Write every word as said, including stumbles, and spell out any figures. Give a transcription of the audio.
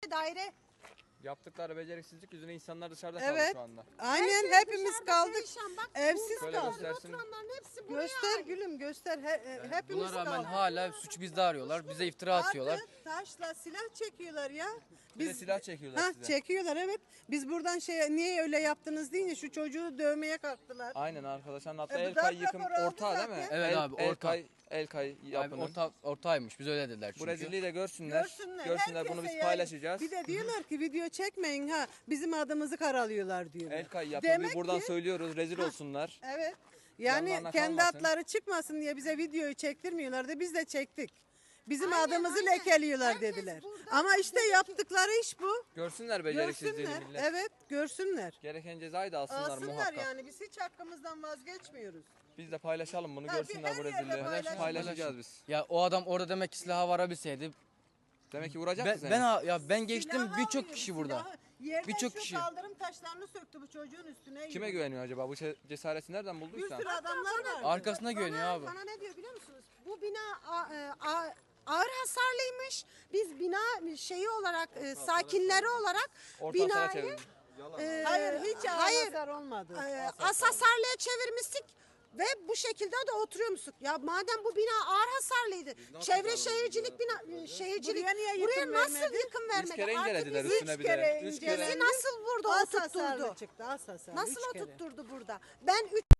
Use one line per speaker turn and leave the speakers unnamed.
tane daire.
Yaptıkları beceriksizlik yüzünden insanlar dışarıda
Evet.
kaldı şu anda.
Aynen
Herkes
hepimiz
dışarıda
kaldık.
perişan. Bak,
Evsiz
Şöyle
kaldık.
göstersin.
Oturanların hepsi buraya
Göster
ait.
gülüm göster. He, he- hepimiz
Buna rağmen
kaldık.
hala suç bizde arıyorlar. Bize iftira atıyorlar.
Atı, taşla silah çekiyorlar ya.
Bir de silah çekiyorlar
Ha,
size.
çekiyorlar evet. Biz buradan şey niye öyle yaptınız deyince şu çocuğu dövmeye kalktılar.
Aynen arkadaşlar. Hatta
E, bu
Elkay
darp
yıkım
raporu aldı
ortağı değil mi?
zaten.
Evet
El-
abi, ortağı.
Elkay, Elkay
Abi
yapının.
orta, ortağıymış. Biz öyle dediler çünkü.
Bu rezilliği de görsünler.
Görsünler.
Görsünler, bunu
herkese
biz
yayın.
paylaşacağız.
Bir de diyorlar ki video çekmeyin ha. Bizim adımızı karalıyorlar diyorlar.
Elkay yapıyor.
Demek
Biz buradan
ki-
söylüyoruz. Rezil olsunlar.
Evet. Yani
Yanlarına
kendi
kalmasın.
adları çıkmasın diye bize videoyu çektirmiyorlardı. Biz de çektik. Bizim
Aynen,
adımızı
aynen.
lekeliyorlar
Herkes
dediler.
burada
Ama işte
dedi ki-
yaptıkları iş bu.
Görsünler beceriksizliğini
Görsünler.
millet.
Evet, görsünler.
Gereken cezayı da alsınlar,
Alsınlar
muhakkak.
yani biz hiç hakkımızdan vazgeçmiyoruz.
Biz de paylaşalım bunu,
Ha, bir
görsünler bu
her yerde
rezilliği.
paylaşın.
Paylaşacağız biz.
Ya o adam orada demek ki silaha varabilseydi.
Demek ki vuracak
Ben,
mı seni?
ben ya ben geçtim
Silahı
birçok
alıyor,
kişi burada.
silahı. Yerden
Birçok
şu
kişi.
kaldırım taşlarını söktü bu çocuğun üstüne.
Kime
yürüdü.
güveniyor acaba? Bu ce- cesareti nereden
Bir
bulduysa?
sürü adamlar var.
Arkasına güveniyor
Bana-
abi.
Bana ne diyor biliyor musunuz? Bu bina a- e, a- ağır hasarlıymış. Biz bina şeyi olarak, e, sakinleri olarak
Orta hasara
binayı
çevirin.
e,
Hayır hiç
hayır,
hasar olmadı.
e, az hasarlıya çevirmiştik. Ve bu şekilde de oturuyormuştuk. Ya madem bu bina ağır hasarlıydı. Çevre şehircilik bina, e, şehircilik
Buraya niye
buraya
yıkım
nasıl
vermedi?
yıkım
Üç
vermedi?
kere
Artı
incelediler
bizi
üstüne bir
kere
de. Üç
incelediler.
kere.
bizi nasıl burada
Az hasarlı
oturtturdu?
çıktı az hasarlı.
Nasıl
üç kere.
oturtturdu burada? Ben üç